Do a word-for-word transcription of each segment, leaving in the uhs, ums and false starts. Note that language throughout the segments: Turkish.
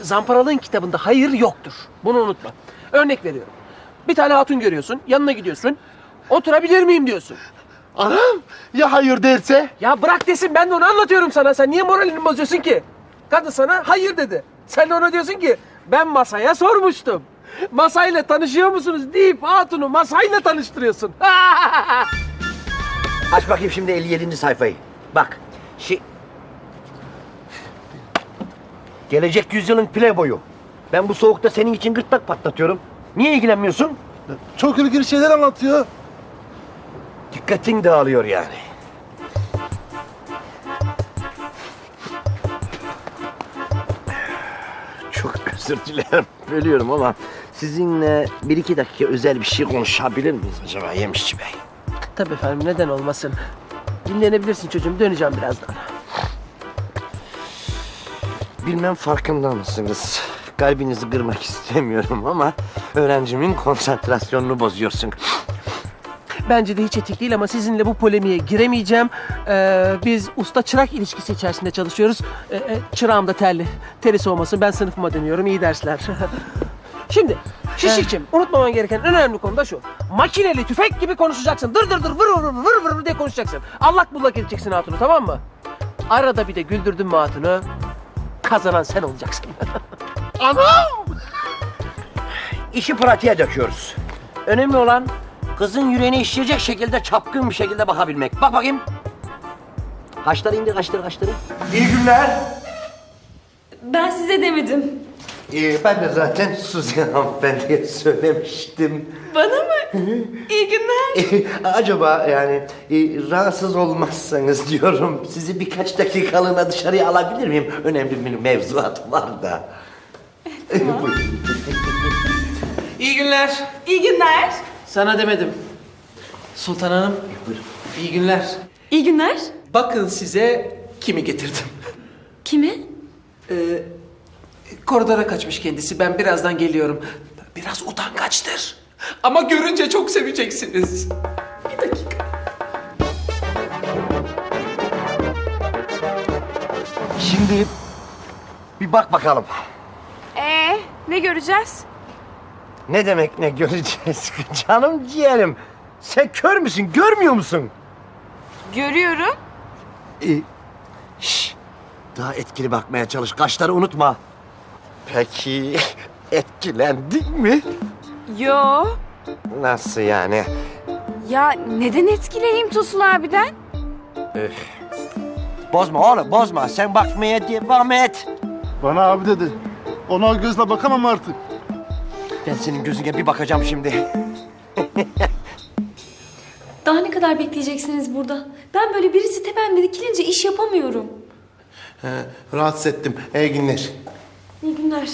Zamparalığın kitabında hayır yoktur. Bunu unutma. Örnek veriyorum. Bir tane hatun görüyorsun, yanına gidiyorsun. Oturabilir miyim diyorsun. Anam ya hayır derse? Ya bırak desin, ben de onu anlatıyorum sana. Sen niye moralini bozuyorsun ki? Kadın sana hayır dedi. Sen de ona diyorsun ki ben masaya sormuştum. Masayla tanışıyor musunuz deyip hatunu masayla tanıştırıyorsun. Aç bakayım şimdi elli yedinci sayfayı. Bak. Şi... Gelecek yüzyılın playboyu. Ben bu soğukta senin için gırtlak patlatıyorum. Niye ilgilenmiyorsun? Çok ilginç şeyler anlatıyor. Dikkatin dağılıyor yani. Çok özür dilerim. Bölüyorum ama sizinle bir iki dakika özel bir şey konuşabilir miyiz acaba Yemişçi Bey? Tabii efendim, neden olmasın. Dinlenebilirsin çocuğum, döneceğim birazdan. Bilmem farkında mısınız? Kalbinizi kırmak istemiyorum ama öğrencimin konsantrasyonunu bozuyorsun. Bence de hiç etik değil ama sizinle bu polemiğe giremeyeceğim. Ee, biz usta-çırak ilişkisi içerisinde çalışıyoruz. Ee, e, çırağım da terli. Teri soğumasın, ben sınıfıma dönüyorum. İyi dersler. Şimdi Şişikçim, unutmaman gereken en önemli konu da şu. Makineli tüfek gibi konuşacaksın. Dır dır dır vır vır vır vır vır diye konuşacaksın. Allak bullak edeceksin hatunu, tamam mı? Arada bir de güldürdün mü hatunu, kazanan sen olacaksın. Anam! İşi pratiğe döküyoruz. Önemli olan kızın yüreğine işleyecek şekilde çapkın bir şekilde bakabilmek. Bak bakayım. Kaşları indir, kaşları, kaşları. İyi günler. Ben size demedim. Ee, ben de zaten Suzi hanımefendiye söylemiştim. Bana mı? İyi günler. Ee, acaba yani e, rahatsız olmazsanız diyorum sizi birkaç dakikalığına dışarıya alabilir miyim? Önemli bir mevzuat var da. Tamam. Buyurun. İyi günler. İyi günler. Sana demedim. Sultan Hanım, Buyurun. iyi günler. İyi günler. Bakın size kimi getirdim. Kimi? Ee, koridora kaçmış kendisi. Ben birazdan geliyorum. Biraz utangaçtır. Ama görünce çok seveceksiniz. Bir dakika. Şimdi bir bak bakalım. Ee, ne göreceğiz? Ne demek ne göreceğiz canım ciğerim. Sen kör müsün, görmüyor musun? Görüyorum. Ee, şş, daha etkili bakmaya çalış, kaşları unutma. Peki etkilendin mi? Yo. Nasıl yani? Ya neden etkileneyim Tosun abiden? Öf. Bozma oğlum, bozma. Sen bakmaya devam et. Bana abi dedi. Ona o gözle bakamam artık. Ben senin gözüne bir bakacağım şimdi. Daha ne kadar bekleyeceksiniz burada? Ben böyle birisi tepemde dikilince iş yapamıyorum. He, rahatsız ettim. İyi günler. İyi günler.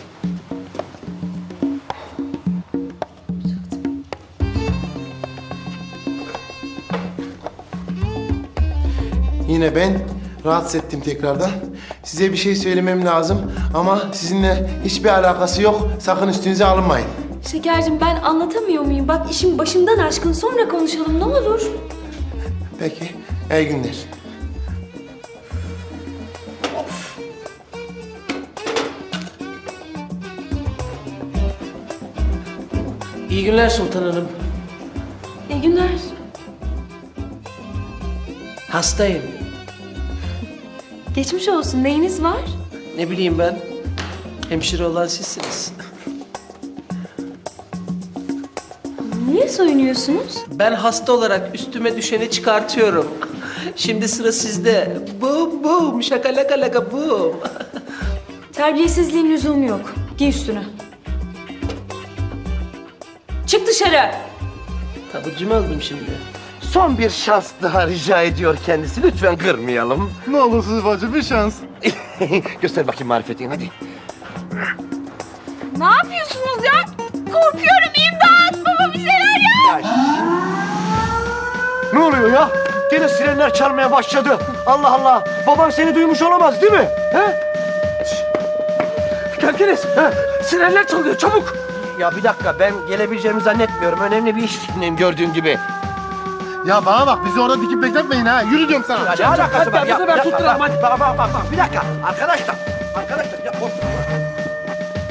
Yine ben rahatsız ettim tekrardan. Size bir şey söylemem lazım ama sizinle hiçbir alakası yok. Sakın üstünüze alınmayın. Şekercim, ben anlatamıyor muyum? Bak işim başımdan aşkın, sonra konuşalım ne olur. Peki, iyi günler. İyi günler Sultan Hanım. İyi günler. Hastayım. Geçmiş olsun. Neyiniz var? Ne bileyim ben. Hemşire olan sizsiniz. Niye soyunuyorsunuz? Ben hasta olarak üstüme düşeni çıkartıyorum. Şimdi sıra sizde. Bum bum, şakalaka laka bum. Terbiyesizliğin lüzumu yok. Giy üstünü. Çık dışarı. Taburcu mu oldum şimdi? Son bir şans daha rica ediyor kendisi. Lütfen kırmayalım. Ne olursunuz bacı bir şans. Göster bakayım marifetini hadi. Ne yapıyorsunuz ya? Korkuyorum, imdat! Baba bir şeyler yap! Ya, ne oluyor ya? Gene sirenler çalmaya başladı. Allah Allah. Baban seni duymuş olamaz değil mi? He? Geldiniz. Sirenler çalıyor, çabuk. Ya bir dakika, ben gelebileceğimi zannetmiyorum. Önemli bir iş içindeyim gördüğün gibi. Ya bana bak bizi orada dikip bekletmeyin ha. Yürü diyorum sana. Ne alakası var? hadi, Ya, hadi, ben ya, tutturam, bak, hadi. Bak bak bak bak bir dakika. Arkadaşlar. Arkadaşlar ya, korkma.